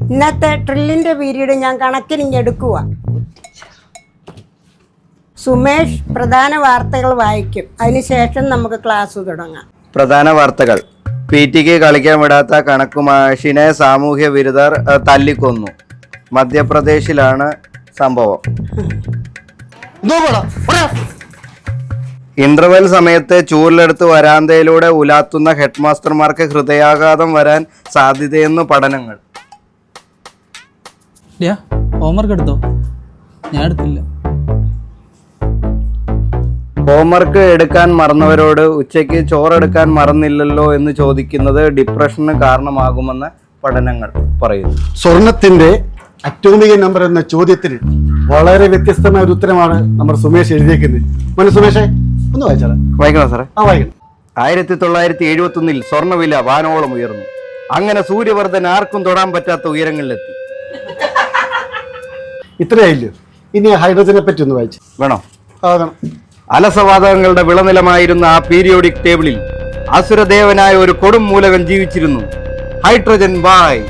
ഇന്നത്തെ ഡ്രില്ലിന്റെ പീരീഡ് ഞാൻ കണക്കിനിങ്ങെടുക്കുക. സുമേഷ് പ്രധാന വാർത്തകൾ വായിക്കും. അതിനുശേഷം നമുക്ക് ക്ലാസ് തുടങ്ങാം. പ്രധാന വാർത്തകൾ. PT-ക്ക് കളിക്കാൻ വിടാത്ത കണക്കുമാഷിനെ സാമൂഹ്യ വിരുദ്ധർ തല്ലിക്കൊന്നു. മധ്യപ്രദേശിലാണ് സംഭവം. ഇന്റർവെൽ സമയത്ത് ചൂരിലെടുത്ത് വരാന്തയിലൂടെ ഉലാത്തുന്ന ഹെഡ്മാസ്റ്റർമാർക്ക് ഹൃദയാഘാതം വരാൻ സാധ്യതയെന്നു പഠനങ്ങൾ. ഹോംവർക്ക് എടുത്തോ? ഞാൻ എടുത്തില്ല. ഹോംവർക്ക് എടുക്കാൻ മറന്നവരോട് ഉച്ചയ്ക്ക് ചോറെടുക്കാൻ മറന്നില്ലല്ലോ എന്ന് ചോദിക്കുന്നത് ഡിപ്രഷന് കാരണമാകുമെന്ന് പഠനങ്ങൾ പറയുന്നു. സ്വർണത്തിന്റെ അറ്റോമിക നമ്പർ എന്ന ചോദ്യത്തിന് വളരെ വ്യത്യസ്തമായ ഒരു ഉത്തരമാണ് നമ്മുടെ സുമേഷ് എഴുതിയേക്കുന്നത്. മോനെ സുമേഷേ, ഒന്ന് വായിച്ചാലോ? വായിക്കണോ സാറേ? വായിക്കണം. 1971 സ്വർണ്ണവില വാനോളം ഉയർന്നു. അങ്ങനെ സൂര്യവർദ്ധൻ ആർക്കും തൊടാൻ പറ്റാത്ത ഉയരങ്ങളിലെത്തി. ഇത്രയായില്ലോ. ഇനി ഹൈഡ്രജനെ പറ്റി ഒന്ന് വായിച്ചു. വേണോ? വേണം. അലസവാതകങ്ങളുടെ വിളനിലമായിരുന്ന ആ പീരിയോഡിക് ടേബിളിൽ അസുരദേവനായ ഒരു കൊടും മൂലകൻ ജീവിച്ചിരുന്നു. ഹൈഡ്രജൻ ബായ്.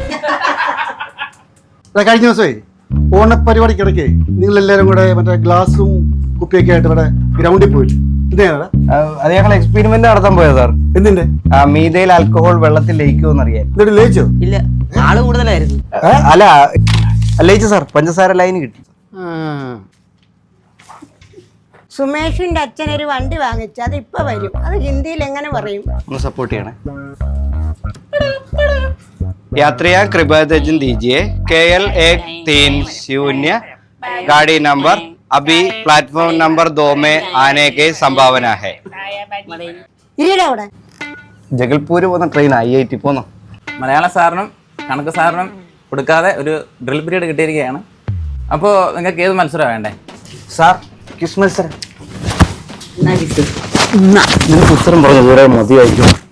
കഴിഞ്ഞ ദിവസമേ ഓണപ്പരിപാടിക്കിടയ്ക്ക് നിങ്ങളെല്ലാവരും കൂടെ മറ്റേ ഗ്ലാസും കുപ്പിയൊക്കെ ആയിട്ട് ഇവിടെ ഗ്രൗണ്ടിൽ പോയില്ല? അത് ഞങ്ങൾ എക്സ്പെരിമെന്റ് നടത്താൻ പോയത് സാർ. എന്തിന്റെ? മീതയിൽ ആൽക്കഹോൾ വെള്ളത്തിൽ ലയിക്കുമെന്ന് അറിയാൻ. എന്നിട്ട് ലയിച്ചോ? ഇല്ല, ആള് കൂടുതലായിരുന്നു. അല്ല ലയിച്ചു സാർ. പഞ്ചസാര ലൈന് കിട്ടി. സുമേഷിന്റെ അച്ഛൻ ഒരു വണ്ടി വാങ്ങിച്ചു. അത് ഇപ്പൊ വരും. അത് ഹിന്ദിയിൽ എങ്ങനെ പറയും? ഒന്ന് സപ്പോർട്ട് ചെയ്യണേ. यात्रियां कृपया ध्यान दीजिए. KL 130 गाड़ी नंबर अभी प्लेटफॉर्म नंबर 2 में आने की संभावना है. ജഗൽപൂർ പോകുന്ന ട്രെയിൻ IIT പോന്നോ? മലയാളം സാറിനും കണക്ക് സാറിനും കൊടുക്കാതെ ഒരു ഡ്രിൽ പീരീഡ് കിട്ടിയിരിക്കുകയാണ്. അപ്പോൾ നിങ്ങൾക്ക് ഏത് മത്സരം വേണ്ടേ? സാർ ക്വിസ് മത്സരം. നിനക്ക് ഉത്തരം പറഞ്ഞു ദൂരെ മതിയായിരിക്കും.